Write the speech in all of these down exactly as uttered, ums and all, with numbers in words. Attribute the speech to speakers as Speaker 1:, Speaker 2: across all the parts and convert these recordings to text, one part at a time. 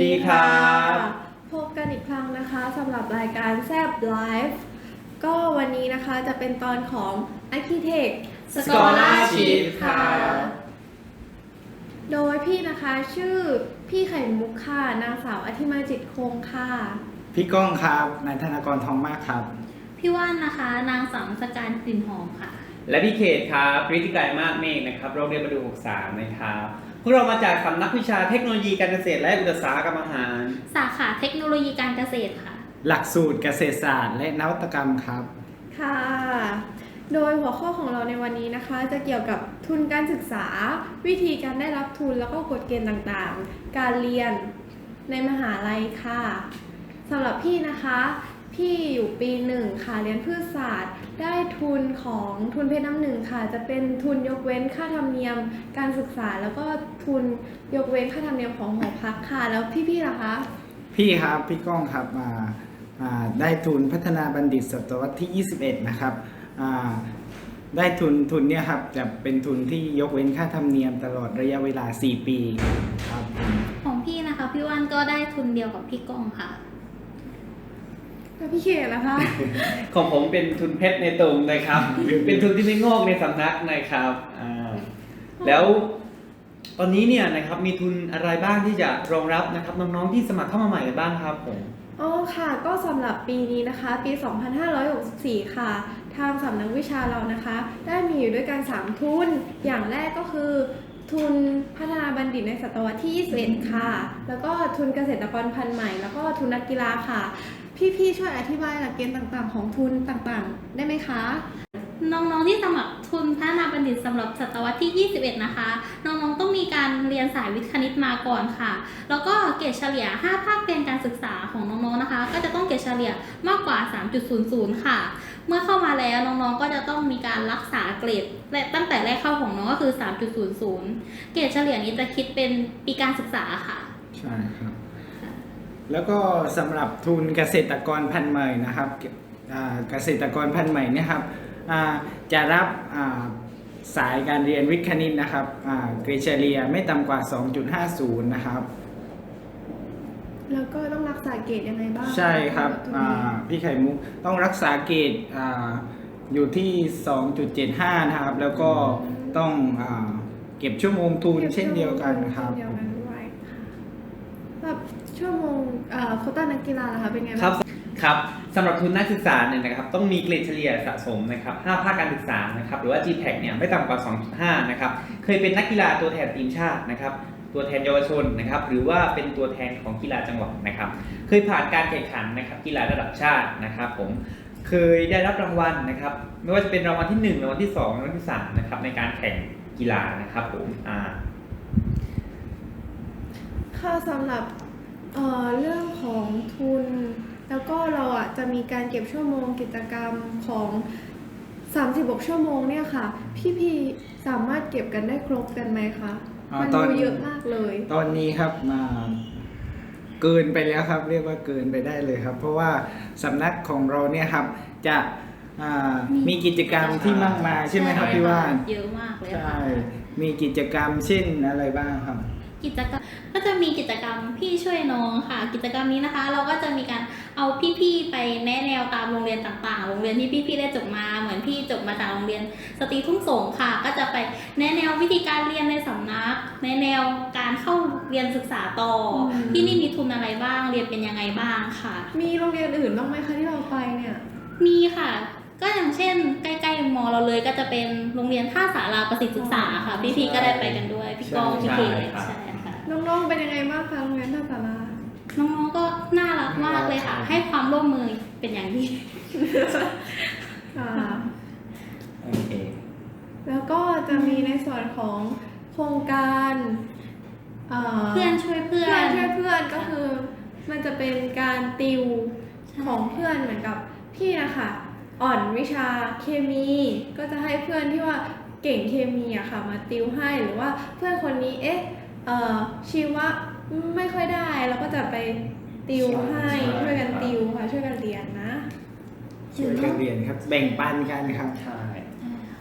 Speaker 1: ดีครับ
Speaker 2: พบกันอีกครั้งนะคะสำหรับรายการแซบไลฟ์ก็วันนี้นะคะจะเป็นตอนของ Architect
Speaker 1: Scholarship ค่ะ
Speaker 2: โดยพี่นะคะชื่อพี่ไข่มุกค่ะนางสาวอธิมาจิตคงค่ะ
Speaker 1: พี่ก้องครับนายธนากรทองมากครับ
Speaker 3: พี่ว่านนะคะนางสาวสการกลิ่นหอมค่ะ
Speaker 4: และพี่เขตครับฤทธิกายมากเมฆนะครับโรงเรียนประดูหกสิบสามนะครับพวกเรามาจากสำนักวิชาเทคโนโลยีการเกษตรและอุตสาหกรรมอาหาร
Speaker 3: สาขาเทคโนโลยีการเกษตรค่ะ
Speaker 1: หลักสูตรเกษตรศาสตร์และนวัตกรรมครับ
Speaker 2: ค่ะ โดยหัวข้อของเราในวันนี้นะคะ จะเกี่ยวกับทุนการศึกษา วิธีการได้รับทุนแล้วก็กฎเกณฑ์ต่างๆ การเรียนในมหาลัยค่ะสำหรับพี่นะคะ พี่อยู่ปีหนึ่งค่ะเรียนพืชศาสตร์ ได้ทุนของทุนเพชรน้ำหนึ่งค่ะ จะเป็นทุนยกเว้นค่าธรรมเนียมการศึกษา แล้วก็ทุนยกเว้นค่าธรรมเนียมของหอพักค่ะ แล้วพี่ๆล่ะคะ
Speaker 1: พี่ครับพี่ก้องครับมาอ่าได้ทุนพัฒนาบัณฑิตศตวรรษที่ยี่สิบเอ็ดนะครับอ่าได้ทุนทุนเนี่ยครับจะเป็นทุนที่ยกเว้นค่าธรรมเนียมตลอดระยะเวลาสี่ปีครับผม
Speaker 3: ของพี่นะคะพี่ว่านก็ได้ทุนเดียวกับพี่ก้องค่ะ
Speaker 2: แล้วพี่เขตล่ะคะ
Speaker 4: ของผมเป็นทุนเพชรในตุงนะครับ เป็นทุนที่ไม่งอกในสำนักนะครับอ่าแล้วตอนนี้เนี่ยนะครับมีทุนอะไรบ้างที่จะรองรับนะครับน้องๆที่สมัครเข้ามาใหม่กันบ้างครับผม
Speaker 2: อ๋อค่ะก็สำหรับปีนี้นะคะปี สองพันห้าร้อยหกสิบสี่ ค่ะ ทางสำนักวิชาเรานะคะ ได้มีอยู่ด้วยกัน สาม ทุน อย่างแรกก็คือ ทุนพัฒนาบัณฑิตในศตวรรษที่ ยี่สิบเอ็ด ค่ะ แล้วก็ทุนเกษตรกรพันธุ์ใหม่ แล้วก็ทุนนักกีฬาค่ะ พี่ๆช่วยอธิบายหลักเกณฑ์ต่างๆ ของทุนต่างๆ ได้ไหมคะ
Speaker 3: น้องๆที่สมัครทุนพัฒนาบัณฑิตสำหรับศตวรรษที่ ยี่สิบเอ็ด นะคะ น้องๆต้องมีการเรียนสายวิทย์คณิตมาก่อนค่ะ แล้วก็เกรดเฉลี่ย ห้า ภาคเรียนการศึกษาของน้องๆนะคะ ก็จะต้องเกรดเฉลี่ยมากกว่า สามจุดศูนย์ศูนย์ ค่ะ เมื่อเข้ามาแล้วน้องๆก็จะต้องมีการรักษาเกรดและตั้งแต่แรกเข้าของน้องก็คือ สามจุดศูนย์ศูนย์ เกรดเฉลี่ยนี้จะคิดเป็นปีการศึกษาค่ะ
Speaker 1: ใช่ครับแล้วก็สำหรับทุนเกษตรกรพันธุ์ใหม่นะครับอ่าเกษตรกรพันธุ์ใหม่เนี่ยครับอ่าจะรับอ่าสายการเรียนวิทย์คณิตนะครับอ่าเกรดเฉลี่ยไม่ต่ำกว่า สองจุดห้าศูนย์ นะครับ
Speaker 2: แล้วก็ต้องรักษาเกรดยังไงบ้าง
Speaker 1: ใช่ครับ
Speaker 2: ตัว
Speaker 1: อ่า
Speaker 2: นี้
Speaker 1: พี่ไข่มุกต้องรักษาเกรดอ่าอยู่ที่ สองจุดเจ็ดห้า นะครับ แล้วก็ต้องอาเก็บชั่วโมงทุนเช่นเดียวกันครับ
Speaker 2: เช่นเดียวกันด้วยค่ะแบบชั่วโมงเอ่อโควต้านักกีฬาล่ะคะเป็นไง
Speaker 4: ครั
Speaker 2: บ้า
Speaker 4: บ
Speaker 2: ง
Speaker 4: ครับสำหรับทุนนักศึกษาเนี่ยนะครับต้องมีเกรดเฉลี่ยสะสมนะครับห้าภาคการศึกษานะครับหรือว่า จี แพค เนี่ยไม่ต่ำกว่า สองจุดห้า นะครับเคยเป็นนักกีฬาตัวแทนทีมชาตินะครับตัวแทนเยาวชนนะครับหรือว่าเป็นตัวแทนของกีฬาจังหวัดนะครับเคยผ่านการแข่งขันนะครับกีฬาระดับชาตินะครับผมเคยได้รับรางวัลนะครับไม่ว่าจะเป็นรางวัลที่หนึ่งรางวัลที่สองรางวัลที่สามนะครับในการแข่งกีฬานะครับผมอ่า
Speaker 2: ค่ะสำหรับเอ่อเรื่องของทุน แล้วก็เราอ่ะจะมีการเก็บชั่วโมงกิจกรรมของสามสิบหกชั่วโมงเนี่ยค่ะ พี่พีสามารถเก็บกันได้ครบกันไหมคะ
Speaker 1: อ่า
Speaker 2: มัน
Speaker 1: ตอน
Speaker 2: ดูเยอะมากเลย
Speaker 1: ตอนนี้ครับมาเกินไปแล้วครับ เรียกว่าเกินไปได้เลยครับ เพราะว่าสำนักของเราเนี่ยครับจะอ่ามีกิจกรรมที่มากมายใช่ไหมครับพี่ว่าน
Speaker 3: เยอะมากเลย
Speaker 1: ใช่
Speaker 3: ค่ะ
Speaker 1: มีกิจกรรมเช่นอะไรบ้างครับ
Speaker 3: กิจกรรมก็จะมีกิจกรรมพี่ช่วยน้องค่ะ กิจกรรมนี้นะคะ เราก็จะมีการเอาพี่ๆไปแนะแนวตามโรงเรียนต่างๆ โรงเรียนที่พี่ๆได้จบมาเหมือนพี่จบมาจากโรงเรียนสตรีทุ่งสงค่ะ ก็จะไปแนะแนววิธีการเรียนในสำนักแนะแนวการเข้าเรียนศึกษาต่ออ
Speaker 2: ม
Speaker 3: ที่นี่มีทุนอะไรบ้างเรียนเป็นยังไงบ้างค่ะ
Speaker 2: มีโรงเรียนอื่นบ้างไหมคะที่เราไปเนี่ย
Speaker 3: มีค่ะ ก็อย่างเช่น ใกล้ๆมอเราเลยก็จะเป็นโรงเรียนท่าสาราประสิทธิศึกษาค่ะ พี่ๆก็ได้ไปกันด้วยพี่ก้องพี่เค
Speaker 4: ใช่ครับ
Speaker 3: ใช่ค่ะ
Speaker 2: น้องๆเป็นยังไงบ้างคะโรงเรียนท่าสารา
Speaker 3: น้องๆก็น่ารักมากเลยค่ะ ให้ความร่วมมือเป็นอย่างดี
Speaker 2: ค่ะ
Speaker 4: โอเค
Speaker 2: แล้วก็จะมีในส่วนของโครงการเอ่อ
Speaker 3: เพื่อนช่วยเพื่อ
Speaker 2: เพื่อน นช่วยเพื่อนก็คือมันจะเป็นการติว
Speaker 3: ใช่
Speaker 2: ของเพื่อนเหมือนกับพี่นะคะอ่อนวิชาเคมี ก็จะให้เพื่อนที่ว่าเก่งเคมีอะค่ะมาติวให้หรือว่าเพื่อนคนนี้เอ๊ะเอ่อชีวะไม่ค่อยได้เราก็จะไปติวให้
Speaker 1: ใช่
Speaker 2: ช่วยกัน
Speaker 1: ครับ
Speaker 2: ติวค่ะช่วยกันเรียนนะ
Speaker 1: ช่วยกันเรียนครับ แบ่งปันกันครับ
Speaker 4: ใช่
Speaker 3: ใช่ค่ะ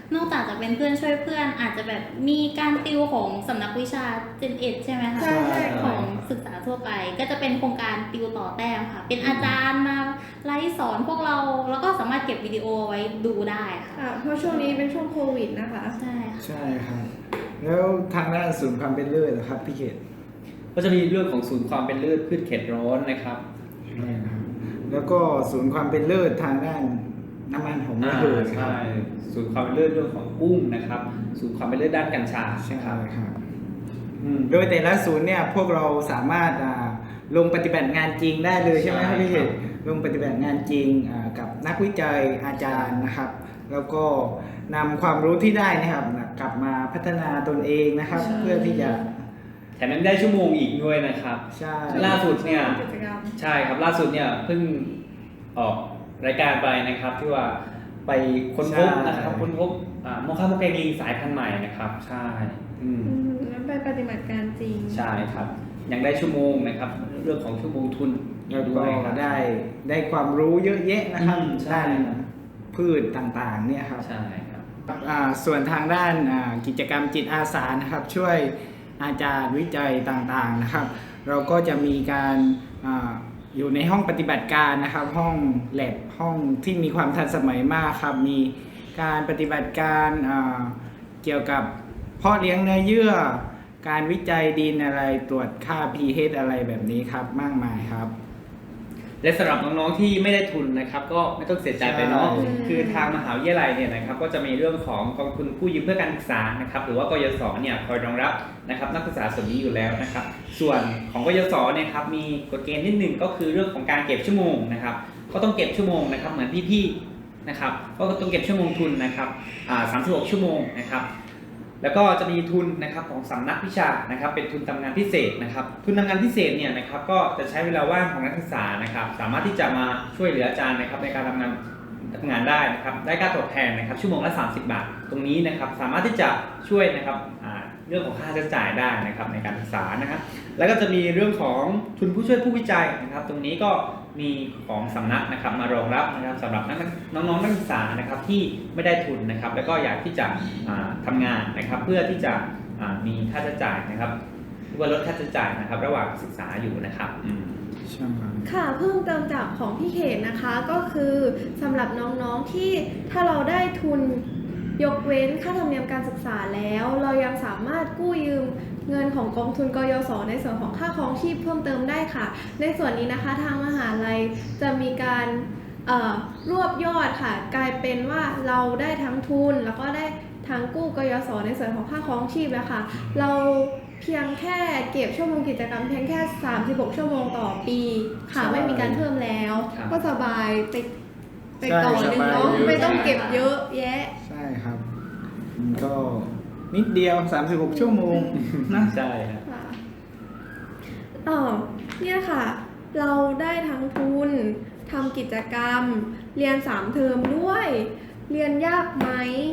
Speaker 3: นอกจากจะเป็นเพื่อนช่วยเพื่อนอาจจะแบบมีการติวของสำนักวิชา เจน เอ็ด ใช่ไหมคะ
Speaker 2: ใช่ใช่
Speaker 3: ของศึกษาทั่วไป ก็จะเป็นโครงการติวต่อแต้มค่ะ เป็นอาจารย์มาไลฟ์สอนพวกเราแล้วก็สามารถเก็บวิดีโอไว้ดูได้ค่ะ
Speaker 2: ค่ะเพราะช่วงนี้เป็นช่วงโควิดนะคะ
Speaker 3: ใช่ค่ะ
Speaker 1: ใช่ครับ แล้วทางด้านศูนย์ความเป็นเลิศเหรอครับพี่เขต
Speaker 4: ก็จะมีเรื่องของศูนย์ความเป็นเลิศพืชเขตร้อนนะครับ
Speaker 1: ใช่ครับ แล้วก็ศูนย์ความเป็นเลิศทางด้านน้ำมันหอมระเหยครั
Speaker 4: ใช่
Speaker 1: บ
Speaker 4: ศูนย์ความเป็นเลิศเรื่องของกุ้งนะครับศูนย์ความเป็นเลิศด้านกัญชา
Speaker 1: ใช่
Speaker 4: นะครับ
Speaker 1: ครับ
Speaker 4: อืม
Speaker 1: โดยแต่ละศูนย์เนี่ยพวกเราสามารถอ่าลงปฏิบัติงานจริงได้เลยใช่ไหมครับ
Speaker 4: ใช่
Speaker 1: พี่เข
Speaker 4: ครั
Speaker 1: ต
Speaker 4: บ
Speaker 1: ลงปฏิบัติงานจริงอ่ากับนักวิจัยอาจารย์นะครับ แล้วก็นำความรู้ที่ได้นะครับกลับมาพัฒนาตนเองนะครับ เพื่อที่จะ
Speaker 4: แถมยังได้ชั่วโมงอีกด้วยนะครับ
Speaker 1: ใช่
Speaker 4: ล่าสุดเนี่ย
Speaker 2: กิจกรรม
Speaker 4: ใช่ครับล่าสุดเนี่ยเพิ่งออกรายการไปนะครับที่ว่าไปค้นพบนะครับค้นพบอ่าโมคาโมแกงลิงสายพันธุ์ใหม่นะครับใช่อืม
Speaker 2: อืมแล้วไปปฏิบัติการจริง
Speaker 4: ใช่ครับยังได้ชั่วโมงนะครับเรื่องของชั่วโมงทุน
Speaker 1: แล้ว
Speaker 4: ด้
Speaker 1: ก็
Speaker 4: วยครับ
Speaker 1: ได้ได้ความรู้เยอะแยะนะครับ
Speaker 4: อืมใช่
Speaker 1: ด้านพืชต่างๆเนี่ยครับ
Speaker 4: ใช่ครับ
Speaker 1: อ่าส่วนทางด้านอ่ากิจกรรมจิตอาสานะครับ ช่วยอาจารย์วิจัยต่างๆนะครับ เราก็จะมีการอาอยู่ในห้องปฏิบัติการนะครับ ห้องแลบห้องที่มีความทันสมัยมากครับ มีการปฏิบัติการอ่าเกี่ยวกับเพาะเลี้ยงเนื้อเยื่อ การวิจัยดินอะไรตรวจค่า pH อะไรแบบนี้ครับมากมายครับ
Speaker 4: และสำหรับน้องๆที่ไม่ได้ทุนนะครับ ก็ไม่ต้องเสียใจไปเนาะ
Speaker 1: ใช่
Speaker 4: คือทางมหาวิทยาลัยเนี่ยนะครับ ก็จะมีเรื่องของกองทุนกู้ยืมเพื่อการศึกษานะครับ หรือว่ากยศเนี่ยคอยรองรับนะครับนักศึกษาส่วนนี้อยู่แล้วนะครับ ส่วนของกยศเนี่ยครับมีกฎเกณฑ์นิดหนึ่งก็คือเรื่องของการเก็บชั่วโมงนะครับ ก็ต้องเก็บชั่วโมงนะครับเหมือนพี่ๆนะครับก็ต้องเก็บชั่วโมงทุนนะครับอ่าสามสิบหกชั่วโมงนะครับ แล้วก็จะมีทุนนะครับของสำนักวิชานะครับเป็นทุนทำงานพิเศษนะครับ ทุนทำงานพิเศษเนี่ยนะครับก็จะใช้เวลาว่างของนักศึกษานะครับ สามารถที่จะมาช่วยเหลืออาจารย์นะครับในการทำงานทำงานได้นะครับได้ค่าตอบแทนนะครับชั่วโมงละสามสิบบาท ตรงนี้นะครับสามารถที่จะช่วยนะครับอ่าเรื่องของค่าใช้จ่ายได้นะครับในการศึกษานะครับ แล้วก็จะมีเรื่องของทุนผู้ช่วยผู้วิจัยนะครับ ตรงนี้ก็มีของสำนักนะครับมารองรับนะครับสำหรับนักน้องๆนักศึกษานะครับที่ไม่ได้ทุนนะครับ แล้วก็อยากที่จะอ่าทำงานนะครับ เพื่อที่จะอ่ามีค่าใช้จ่ายนะครับหรือว่าลดค่าใช้จ่ายนะครับ ระหว่างศึกษาอยู่นะครับอืม
Speaker 1: ใช่ครับ
Speaker 2: ค่ะเพิ่มเติมจากของพี่เขตนะคะก็คือสำหรับน้องๆที่ถ้าเราได้ทุนยกเว้นค่าธรรมเนียมการศึกษาแล้ว เรายังสามารถกู้ยืมเงินของกองทุนกยศในส่วนของค่าครองชีพเพิ่มเติมได้ค่ะ ในส่วนนี้นะคะทางมหาลัยจะมีการเอ่อรวบยอดค่ะ กลายเป็นว่าเราได้ทั้งทุนแล้วก็ได้ทั้งกู้กยศในส่วนของค่าครองชีพแล้วค่ะ เราเพียงแค่เก็บชั่วโมงกิจกรรมเพียงแค่สามสิบหกชั่วโมงต่อปีค่ะ
Speaker 1: ใช่
Speaker 2: ไม่มีการเพิ่มแล้ว
Speaker 4: ครับ
Speaker 2: ก็สบายไปไป
Speaker 1: ใช่
Speaker 2: ต่อหนึ่งเนาะ
Speaker 1: สบายเยอะ
Speaker 2: ไม่ต้องเก็บเยอะแยะ
Speaker 1: ใช่ครับมันก็นิดเดียวสามสิบหกชั่วโมงนะ
Speaker 4: ใช่ครับ
Speaker 2: ค่ะเออเนี่ยค่ะ เราได้ทั้งทุนทำกิจกรรม เรียนสามเทอมด้วย เรียนยากไหม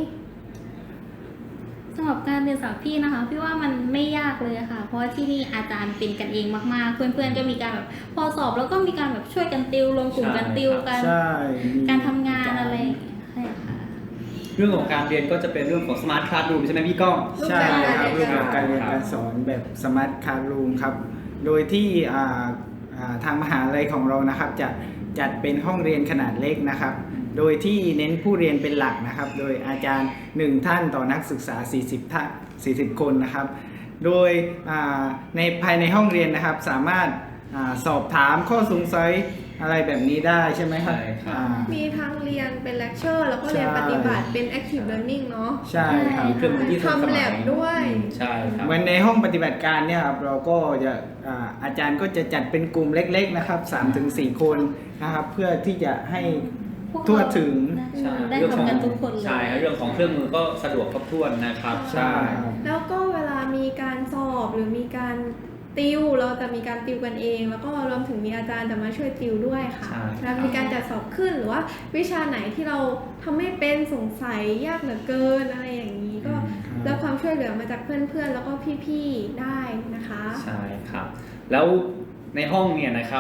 Speaker 3: สำหรับการเรียนสาวพี่นะคะพี่ว่ามันไม่ยากเลยค่ะ เพราะว่าที่นี่อาจารย์เป็นกันเองมากๆ เพื่อนๆก็มีการแบบพอสอบแล้วก็มีการแบบช่วยกันติวรวมกลุ่มกันติวกัน
Speaker 1: ใช่มี
Speaker 3: การทำงานอะไรอย่างเงี้ยใช่ค่ะ
Speaker 4: เรื่องของการเรียนก็จะเป็นเรื่องของ smart classroom ใช่ไหมพี่ก้อง
Speaker 1: ใช่ครับ
Speaker 2: รู
Speaker 1: รู
Speaker 2: ป
Speaker 1: ป
Speaker 2: แบ
Speaker 1: แบบ บ
Speaker 2: กา
Speaker 1: การ ร
Speaker 2: เรี
Speaker 1: เรี
Speaker 2: ย
Speaker 1: ย
Speaker 2: น
Speaker 1: น
Speaker 2: กา
Speaker 1: การ ร
Speaker 2: ส
Speaker 1: ส
Speaker 2: อน
Speaker 1: อนแบบสมาร์ทคาร์รูมครับ โดยที่อ่าอ่าทางมหาลัยของเรานะครับจะจัดเป็นห้องเรียนขนาดเล็กนะครับ โดยที่เน้นผู้เรียนเป็นหลักนะครับ โดยอาจารย์หนึ่งท่านต่อนักศึกษาสี่สิบท่านสี่สิบคนนะครับ โดยอ่าในภายในห้องเรียนนะครับสามารถอาสอบถามข้อสงสัยอะไรแบบนี้ได้ใช่ไหมครับ
Speaker 4: ใช่ครับ
Speaker 1: อ่า
Speaker 2: มีทั้งเรียนเป็นเลคเชอร์แล้วก็เรียน
Speaker 1: ใช่
Speaker 2: ปฏิบัติเป็น active learning เนาะ
Speaker 1: ใช่ครับ
Speaker 4: มีเครื่องมือที่ทันสมัย
Speaker 2: ทำ lab ด้วย
Speaker 4: อืมใช่ครับ
Speaker 1: เหมือนในห้องปฏิบัติการเนี่ยครับเราก็จะอ่าอาจารย์ก็จะจัดเป็นกลุ่มเล็กๆนะครับสามถึงสี่คนนะครับเพื่อที่จะให้
Speaker 3: พวกเรา
Speaker 1: ทั่วถึง
Speaker 4: ใช่
Speaker 3: ได้
Speaker 4: เรื่องขอ
Speaker 3: ทำ
Speaker 4: ง
Speaker 3: กันทุกคนเลย
Speaker 4: ใช่ครับเรื่องของเครื่องมือก็สะดวกครบถ้วนนะครับ
Speaker 1: ใช่ครับ
Speaker 2: แล้วก็เวลามีการสอบหรือมีการติวเราจะมีการติวกันเอง แล้วก็รวมถึงมีอาจารย์จะมาช่วยติวด้วยค่ะ
Speaker 4: ใช่
Speaker 2: แล้วมีการจัดสอบขึ้นหรือว่าวิชาไหนที่เราทำไม่เป็นสงสัยยากเหลือเกินอะไรอย่างนี้ก็
Speaker 1: ครับ
Speaker 2: รับความช่วยเหลือมาจากเพื่อนๆ แล้วก็พี่ๆได้นะคะ
Speaker 4: ใช่ครับ แล้วในห้องเนี่ยนะครับ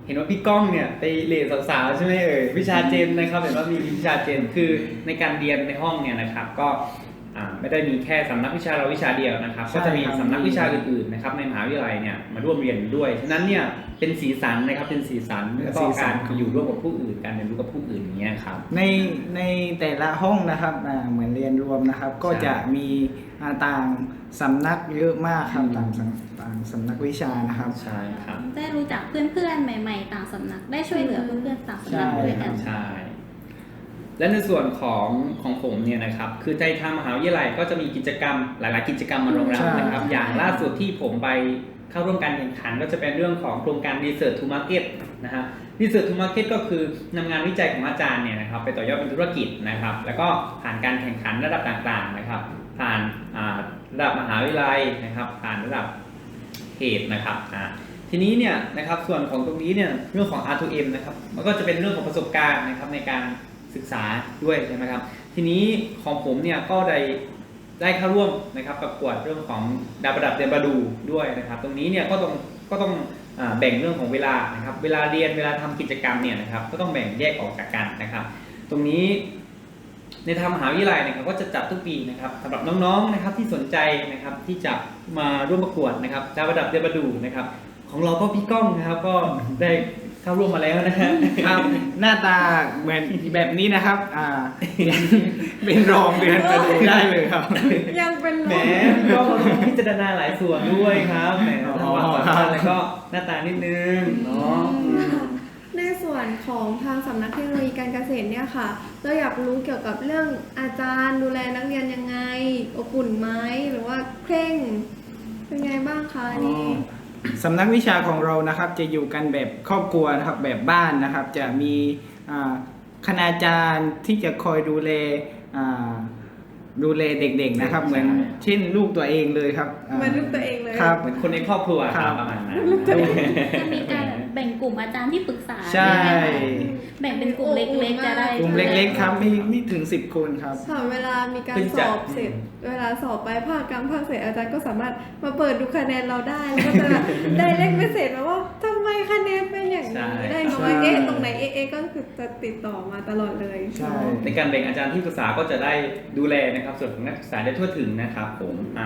Speaker 4: ห็นว่าพี่ก้องเนี่ยไปเรียนสาวๆใช่ไหมเอ่ยวิชาเจนนะครับเห็นว่ามีวิชาเจนคือในการเรียนในห้องเนี่ยนะครับก็อ่าไม่ได้มีแค่สำนักวิชาเราวิชาเดียวนะครับ
Speaker 1: ใช่
Speaker 4: ก็จะมี
Speaker 1: ครับ
Speaker 4: สำนักวิชาอื่นๆนะครับในมหาวิทยาลัยเนี่ยมาร่วมเรียนด้วยฉะนั้นเนี่ยเป็นสีสันนะครับเป็นสีสันแล้วก็การอยู่ร่วมกับผู้อื่นการเรียนรู้กับผู้อื่นอย่างเงี้ยครับ
Speaker 1: ในในแต่ละห้องนะครับอ่าเหมือนเรียนรวมนะครับ ก็
Speaker 4: ใช่
Speaker 1: จะมีอ่าต่างสำนักเยอะมากครับ
Speaker 4: อืม
Speaker 1: ต่างสำต่างสำนักวิชานะครับ
Speaker 4: ใช่ครับ
Speaker 3: ได้รู้จักเพื่อนๆ ใหม่ๆ ต่างสำนัก ได้ช่วยเหลือเพื่อนๆ ต่างสำนักด้วยกัน
Speaker 4: ใช่ และในส่วนของของผมเนี่ยนะครับ คือในทางมหาวิทยาลัยก็จะมีกิจกรรมหลาย ๆ กิจกรรมมารองรับ
Speaker 1: ใช่
Speaker 4: นะครับ
Speaker 3: ใช่
Speaker 4: อย่างล่าสุดที่ผมไปเข้าร่วมการแข่งขันก็จะเป็นเรื่องของโครงการ Research to Market นะฮะ Research to Market ก็คือนำงานวิจัยของอาจารย์เนี่ยนะครับไปต่อยอดเป็นธุรกิจนะครับ แล้วก็ผ่านการแข่งขันระดับต่าง ๆ นะครับ ผ่านอ่าระดับมหาวิทยาลัยนะครับ ผ่านระดับเขตนะครับอ่า ทีนี้เนี่ยนะครับส่วนของตรงนี้เนี่ยเรื่องของ อาร์ ทู เอ็ม นะครับมันก็จะเป็นเรื่องของประสบการณ์นะครับในการศึกษาด้วยใช่ไหมครับทีนี้ของผมเนี่ยก็ได้ได้เข้าร่วมนะครับประกวดเรื่องของดาวประดับเดนบาดูด้วยนะครับตรงนี้เนี่ยก็ต้องก็ต้องอ่าแบ่งเรื่องของเวลานะครับเวลาเรียนเวลาทำกิจกรรมเนี่ยนะครับก็ต้องแบ่งแยกออกจากกันนะครับ ตรงนี้ในทางมหาวิทยาลัยนะครับก็จะจัดทุกปีนะครับสำหรับน้องๆนะครับที่สนใจนะครับที่จะมาร่วมประกวดนะครับดาวประดับเดนบาดูนะครับ ของเราก็พี่ก้องนะครับก็ได้เข้าร่วมมาแล้วนะฮะ
Speaker 1: ครับ หน้าตาเหมือนแบบนี้นะครับอ่า เป็นรองเดือนกระดูได้เลยครับ
Speaker 2: ยังเป็น
Speaker 4: แหม
Speaker 2: ลม
Speaker 4: ก็ต้องพิจารณาหลายส่วนด้วยครับแหม
Speaker 1: อ๋อ
Speaker 4: ทั้งความสามารถแล้วก็หน้าตานิดนึงเนาะ
Speaker 2: ในส่วนของทางสำนักเทคโนโลยีการเกษตรเนี่ยค่ะ เราอยากรู้เกี่ยวกับเรื่องอาจารย์ดูแลนักเรียนยังไงอบอุ่นไหมหรือว่าเคร่ง เป็นไงบ้างคะอันนี้
Speaker 1: สำนักวิชาของเรานะครับจะอยู่กันแบบครอบครัวนะครับแบบบ้านนะครับ จะมีอ่าคณาจารย์ที่จะคอยดูแลอ่าดูแลเด็กๆนะครับ
Speaker 4: ใช่
Speaker 1: เหมือนเช่นลูกตัวเองเลยครับา
Speaker 2: เหมือนลูกตัวเองเลย
Speaker 1: ครับ
Speaker 4: เหมือนคนในครอบครัวค
Speaker 1: ครั
Speaker 4: รับบ ประมาณนั้น
Speaker 3: จะมีการแบ่งกลุ่มอาจารย์ที่ปรึกษา
Speaker 1: ใช่
Speaker 3: ไหมคะแบ่งเป็นกลุ่มเล็กๆ จะได้
Speaker 1: กลุ่มเล็กๆครับไม่ไม่ถึงสิบคนครับ
Speaker 2: ค่ะเวลามีการ
Speaker 4: เพิ่ง
Speaker 2: ส
Speaker 4: จะ
Speaker 2: อบเสร็จ เวลาสอบไปภาคกลางภาคเสร็จอาจารย์ก็สามารถมาเปิดดูคะแนนเราได้แล้วก็จะ ได้เลขเมสเสจมาว่าทำไมคะแนนเป็นอย่างนี้ได้น้อย
Speaker 1: ใช่
Speaker 2: เอ๊ะตรงไหนเอ๊ะเอ๊ะก็คือจะติดต่อมาตลอดเลย
Speaker 1: ใช่
Speaker 4: ในการแบ่งอาจารย์ที่ปรึกษาก็จะได้ดูแลนะครับส่วนของนักศึกษาได้ทั่วถึงนะครับผมอ่า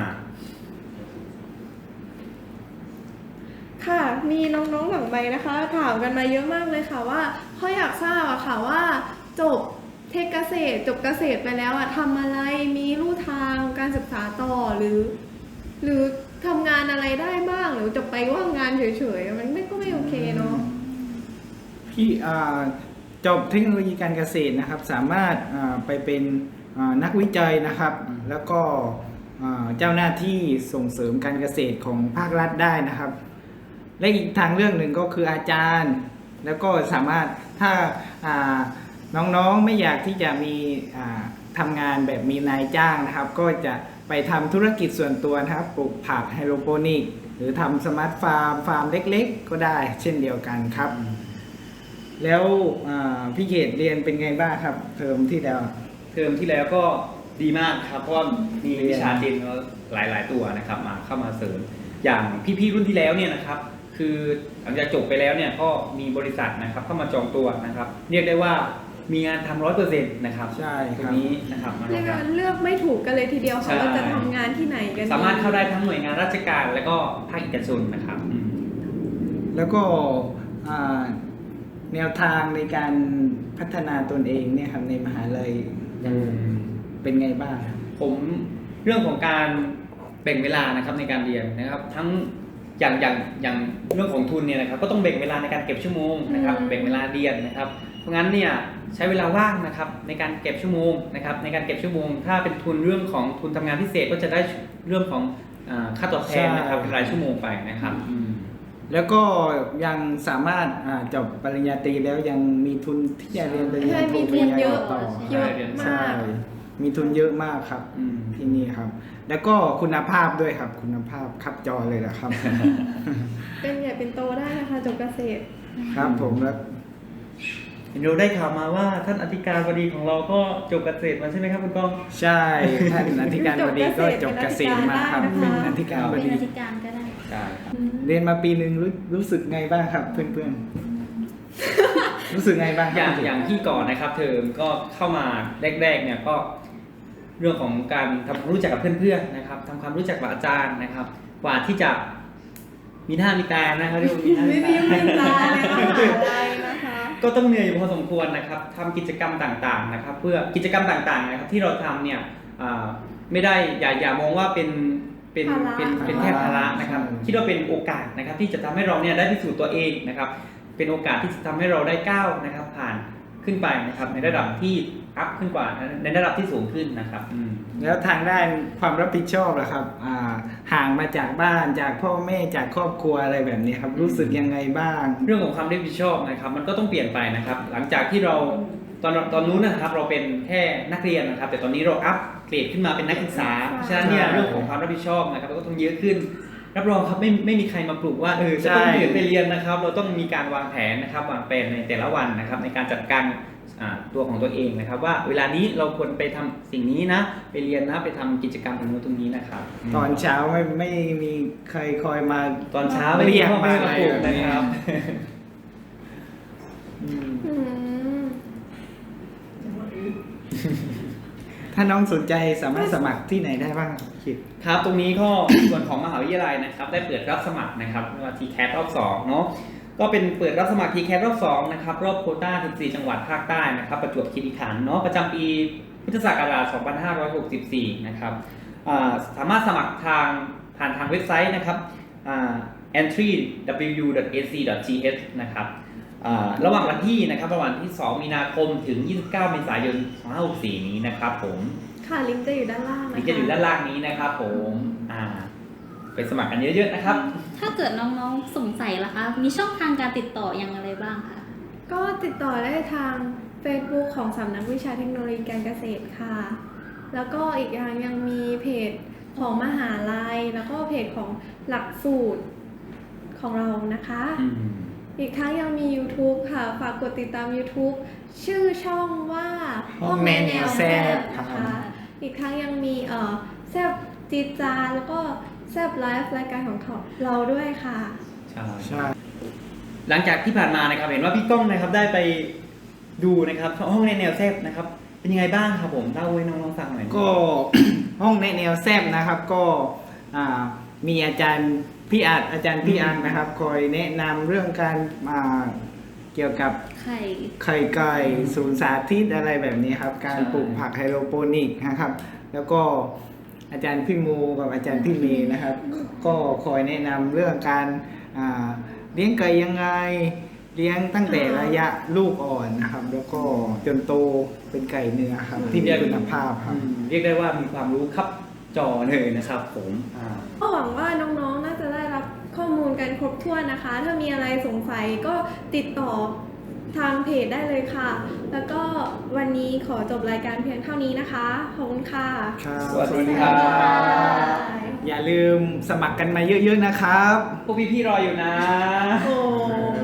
Speaker 2: ค่ะ มีน้องๆหลังใบนะคะ ถามกันมาเยอะมากเลยค่ะว่าเขาอยากทราบอะค่ะว่าจบเทคเกษตร จบเกษตรไปแล้วอะทำอะไรมีลู่ทางการศึกษาต่อหรือ หรือทำงานอะไรได้บ้างหรือจะไปว่างงานเฉยๆมันไม่ก็ไม่โอเคเนาะ
Speaker 1: พี่อ่าจบเทคโนโลยีการเกษตรนะครับ สามารถอ่าไปเป็นอ่านักวิจัยนะครับ แล้วก็อ่าเจ้าหน้าที่ส่งเสริมการเกษตรของภาครัฐได้นะครับ และอีกทางเรื่องหนึ่งก็คืออาจารย์ แล้วก็สามารถถ้าอ่าน้องๆไม่อยากที่จะมีอ่าทำงานแบบมีนายจ้างนะครับ ก็จะไปทำธุรกิจส่วนตัวนะครับปลูกผักไฮโดรโปนิกหรือทำสมาร์ทฟาร์มฟาร์มเล็กๆ ก็ได้เช่นเดียวกันครับ แล้วอ่าพี่เขตเรียนเป็นไงบ้างครับเทอมที่แล้ว
Speaker 4: เทอมที่แล้วก็ดีมากครับเพราะว่ามีวิชาเจนหลาย ๆ ตัวนะครับมาเข้ามาเสริมอย่างพี่ ๆ รุ่นที่แล้วเนี่ยนะครับ คือหลังจากจบไปแล้วเนี่ยก็มีบริษัทนะครับเข้ามาจองตัวนะครับ เรียกได้ว่ามีงานทำร้อยเปอร์เซ็นต์นะครับ
Speaker 1: ใช่
Speaker 4: ต
Speaker 1: ค
Speaker 4: รง
Speaker 1: รับ
Speaker 4: นี้นะครับมาร
Speaker 2: เรี
Speaker 4: อย ง
Speaker 2: ก
Speaker 4: รั
Speaker 2: ว่า
Speaker 4: บ
Speaker 2: เลือกไม่ถูกกันเลยทีเดียว
Speaker 4: ใช่
Speaker 2: ค่ะว่าจะทำงานที่ไหนกันดี
Speaker 4: สามารถเข้าได้ทั้งหน่วยงานราชการและก็ภาคเอกชนนะครับอืม
Speaker 1: แล้วก็อ่าแนวทางในการพัฒนาตนเองเนี่ยครับในมหาลัยยังเป็นไงบ้างครับ
Speaker 4: ผมเรื่องของการแบ่งเวลานะครับในการเรียนนะครับ ทั้งอย่างอย่างอย่างเรื่องของทุนเนี่ยนะครับ ก็ต้องแบ่งเวลาในการเก็บชั่วโมงนะครับแบ่งเวลาเรียนนะครับ เพราะงั้นเนี่ยใช้เวลาว่างนะครับในการเก็บชั่วโมงนะครับในการเก็บชั่วโมง ถ้าเป็นทุนเรื่องของทุนทำงานพิเศษก็จะได้เรื่องของอ่าค่าตอบแทนนะครับเป็นรายชั่วโมงไปนะครับอืม
Speaker 1: แล้วก็ยังสามารถอ่าจบปริญญาตรีแล้วยังมีทุนที่จะเรียนปริญญา
Speaker 2: ใช่
Speaker 1: โท
Speaker 2: มี
Speaker 1: ป
Speaker 2: ทุ
Speaker 1: ริญ
Speaker 2: น
Speaker 1: ญา
Speaker 2: เย
Speaker 1: เอ
Speaker 2: อะ
Speaker 1: กต่อ
Speaker 2: เยอะ
Speaker 1: ใช่
Speaker 2: มาก
Speaker 1: มีทุนเยอะมากครับ
Speaker 4: อืม
Speaker 1: ที่นี่ครับ แล้วก็คุณภาพด้วยครับ คุณภาพคับจอเลยนะครับ
Speaker 2: เป็นใหญ่เป็นโตได้นะคะจบเกษตร
Speaker 1: ครับผมแล้ว
Speaker 4: เห็นเราได้ข่าวมาว่าท่านอธิการบดีของเราก็จบเกษตรมาใช่ไหมครับคุณก้อง
Speaker 1: ใช่ท่านอธิการบดีก็จบเกษตรมาครับ
Speaker 2: จ
Speaker 1: เป็
Speaker 2: บ
Speaker 1: น
Speaker 2: เกษตร
Speaker 1: อธิการบ
Speaker 3: เป็น
Speaker 1: ดี
Speaker 3: อธิการก็ได้
Speaker 4: ใช่ครับ
Speaker 1: เรียนมาปีหนึ่งรู้รู้สึกไงบ้างครับเพื่อน
Speaker 2: ก
Speaker 1: รู้สึกไงบ้าง
Speaker 4: อย่าง
Speaker 1: ครับ
Speaker 4: อย่างที่ก่อนนะครับเทอมก็เข้ามาแรกๆเนี่ยก็เรื่องของการทำความรู้จักกับเพื่อนๆนะครับทำความรู้จักกับอาจารย์นะครับ กว่าที่จะมีหน้ามีตานะครับเรียกว่ามีหน้า
Speaker 2: ไม่
Speaker 4: มี
Speaker 2: มี
Speaker 4: ตา
Speaker 2: เวลาในมหาลัยนะคะ
Speaker 4: ก็ต้องเหนื่อยอยู่พอสมควรนะครับทำกิจกรรมต่างๆนะครับ เพื่อกิจกรรมต่างๆนะครับที่เราทำเนี่ยอ่าไม่ได้อย่าอย่ามองว่าเป็นเป็น
Speaker 2: ภาระ
Speaker 4: เป็นเป็นแค่ภาระนะครับคิดว่าเป็นโอกาสนะครับที่จะทำให้เราเนี่ยได้พิสูจน์ตัวเองนะครับ เป็นโอกาสที่จะทำให้เราได้ก้าวนะครับผ่านขึ้นไปนะครับในระดับที่อัพขึ้นกว่าในระดับที่สูงขึ้นนะครับอืม
Speaker 1: แล้วทางด้านความรับผิดชอบล่ะครับอ่าห่างมาจากบ้านจากพ่อแม่จากครอบครัวอะไรแบบนี้ครับรู้สึกยังไงบ้าง
Speaker 4: เรื่องของความรับผิดชอบนะครับมันก็ต้องเปลี่ยนไปนะครับ หลังจากที่เราตอนตอนนู้นนะครับเราเป็นแค่นักเรียนนะครับ แต่ตอนนี้เราอัพเกรดขึ้นมาเป็นนักศึกษาเพราะฉะนั้นเนี่ยเรื่องของความรับผิดชอบนะครับก็ต้องเยอะขึ้น รับรองครับไม่ไม่มีใครมาปลุกว่าเออจะต้อง
Speaker 1: ใช่
Speaker 4: เรียนไปเรียนนะครับ เราต้องมีการวางแผนนะครับวางแผนในแต่ละวันนะครับ ในการจัดการอ่าตัวของตัวเองนะครับ ว่าเวลานี้เราควรไปทำสิ่งนี้นะ ไปเรียนนะไปทำกิจกรรมตรงนู้นตรงนี้นะครับ
Speaker 1: ตอนเช้าไม่ไม่มีใครคอยมา
Speaker 4: ตอนเช้าไม่มีพ่อแม่มาปลุกนะครับ อืม
Speaker 2: อืม
Speaker 1: ถ้าน้องสนใจสามารถสมัครที่ไหนได้บ้างคิด
Speaker 4: ครับตรงนี้ก็ ส่วนของมหาวิทยาลัยนะครับ ได้เปิดรับสมัครนะครับว่า ที แคท รอบสองเนาะก็เป็นเปิดรับสมัคร ที แคท รอบสองนะครับรอบโควต้าสิบสี่จังหวัดภาคใต้นะครับประจวบคีรีขันธ์เนาะประจำปีพุทธศักราชสองพันห้าร้อยหกสิบสี่นะครับอ่าสามารถสมัครทางผ่านทางเว็บไซต์นะครับอ่า เอนทรี ดับเบิลยู ดอท เอ ซี ดอท ที เอช นะครับอ่าระหว่างวันที่นะครับระหว่างที่สองมีนาคมถึงยี่สิบเก้าเมษายนสองพันห้าร้อยหกสิบสี่นี้นะครับผม
Speaker 2: ค่ะลิงก์จะอยู่ด้านล่างนะคะ
Speaker 4: ลิงก์จะอยู่ด้านล่างนี้นะครับผมอ่าไปสมัครกันเยอะๆนะครับ
Speaker 3: ถ้าเกิดน้องๆสงสัยล่ะคะ มีช่องทางการติดต่ออย่างไรบ้างคะ
Speaker 2: ก็ติดต่อได้ทาง Facebook ของสำนักวิชาเทคโนโลยีการเกษตรค่ะ แล้วก็อีกอย่างยังมีเพจของมหาลัย แล้วก็เพจของหลักสูตรของเรานะคะ
Speaker 4: อืม
Speaker 2: อีกทั้งยังมี YouTube ค่ะ ฝากกดติดตาม YouTube ชื่อช่องว่า
Speaker 1: ห้องแม่แนวแซ่บ
Speaker 2: นะ
Speaker 1: ครั
Speaker 2: คะ
Speaker 1: บ
Speaker 2: อีกทั้งยังมีเอ่อแซบจีดจานแล้วก็แซบไลฟ์รายการของเราด้วยค่ะ
Speaker 4: ใช่
Speaker 1: ใช่
Speaker 4: หลังจากที่ผ่านมานะครับเห็นว่าพี่ก้องนะครับได้ไปดูนะครับห้องในแนวแซบนะครับ เป็นยังไงบ้างครับผมเล่าให้น้องๆฟังหน่อย
Speaker 1: ก็ ห้องแนะแนวแซบนะครับก็อ่ามีอาจารย์พี่อาจอาจารย์พี่อาจนะครับ คอยแนะนำเรื่องการอ่าเกี่ยวกับ
Speaker 3: ไข่
Speaker 1: ไข่ไก่ศูนย์สาธิตอะไรแบบนี้ครับ การปลูกผักไฮโดรโปนิกนะครับ แล้วก็อาจารย์พี่มูกับอาจารย์พี่เมย์นะครับ ก็คอยแนะนำเรื่องการอ่าเลี้ยงไก่ยังไง เลี้ยงตั้งแต่ระยะลูกอ่อนนะครับ แล้วก็จนโตเป็นไก่เนื้อครับ ที่มีคุณภาพครับ
Speaker 4: อืมเรียกได้ว่ามีความรู้ครับจอเลยนะครับผมอ่า
Speaker 2: ก็หวังว่าน้องๆ น่าจะได้รับข้อมูลกันครบถ้วนนะคะ ถ้ามีอะไรสงสัยก็ติดต่อทางเพจได้เลยค่ะ แล้วก็วันนี้ขอจบรายการเพียงเท่านี้นะคะ ขอบคุณค่ะ
Speaker 1: ครับ
Speaker 4: สวัสดีครับ
Speaker 2: บ๊ายบาย
Speaker 1: อย่าลืมสมัครกันมาเยอะๆนะครับ
Speaker 4: พวกพี่ๆรออยู่นะ
Speaker 2: โอ้